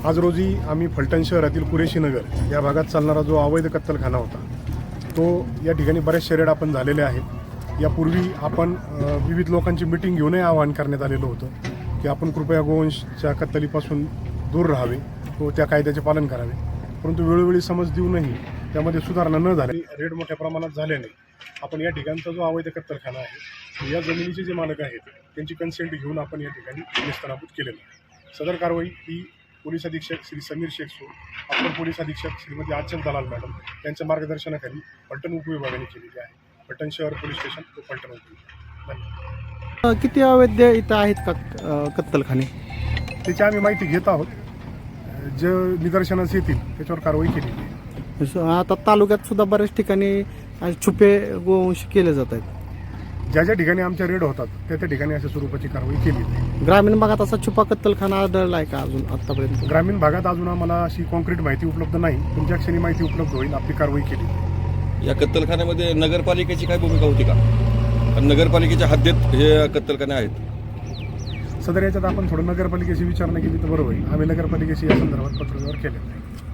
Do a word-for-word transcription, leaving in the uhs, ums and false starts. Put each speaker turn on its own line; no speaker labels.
आज रोजी आम्ही फलटण शहरातील कुरेशी नगर या भागात चालणारा जो अवैध कत्तलखाना होता तो या ठिकाणी बऱ्याचशा रेड आपण झालेले आहेत। यापूर्वी आपण अ, विविध लोकांची मिटिंग घेऊनही आवाहन करण्यात आलेलं होतं की आपण कृपया गोवंशच्या कत्तलीपासून दूर राहावे व त्या कायद्याचे पालन करावे, परंतु वेळोवेळी समज देऊनही त्यामध्ये सुधारणा न झाली, रेड मोठ्या प्रमाणात झाल्याने आपण या ठिकाणचा जो अवैध कत्तलखाना आहे या जमिनीचे जे मालक आहेत त्यांची कन्सेंट घेऊन आपण या ठिकाणी निस्तनाबूत केलेलं आहे। सदर कारवाई ही पोलीस अधीक्षक श्री समीर शेख सो, अप्पर पोलीस अधीक्षक श्रीमती आचल दलाल मॅडम यांच्या मार्गदर्शनाखाली फलटण उपविभागाने केलेली आहे। फलटण शहर पोलीस स्टेशन व फलटण उपविभाग। धन्यवाद।
किती अवैध इथं आहेत का अ, कत्तलखाने?
त्याची आम्ही माहिती घेत आहोत, जे निदर्शनास येतील त्याच्यावर कारवाई केलेली आहे।
आता तालुक्यात सुद्धा बऱ्याच ठिकाणी असे छुपे गोवंश केले जात आहेत।
ज्या ज्या ठिकाणी आमच्या रेड होतात त्या त्या ठिकाणी अशा स्वरूपाची कारवाई केली आहे।
ग्रामीण भागात असा छुपा कत्तलखाना आढळला आहे का अजून आतापर्यंत?
ग्रामीण भागात अजून आम्हाला अशी कॉन्क्रीट माहिती उपलब्ध नाही, पण ज्या क्षणी माहिती उपलब्ध होईल आपली कारवाई केली आहे।
या कत्तलखान्यामध्ये नगरपालिकेची काय भूमिका होती का? कारण नगरपालिकेच्या हद्दीत हे कत्तलखाने आहेत।
सदर याच्यात आपण थोडं नगरपालिकेशी विचारणा केली तर बरोबर होईल। आम्ही नगरपालिकेशी या संदर्भात पत्रव्यवहार केलेला आहे।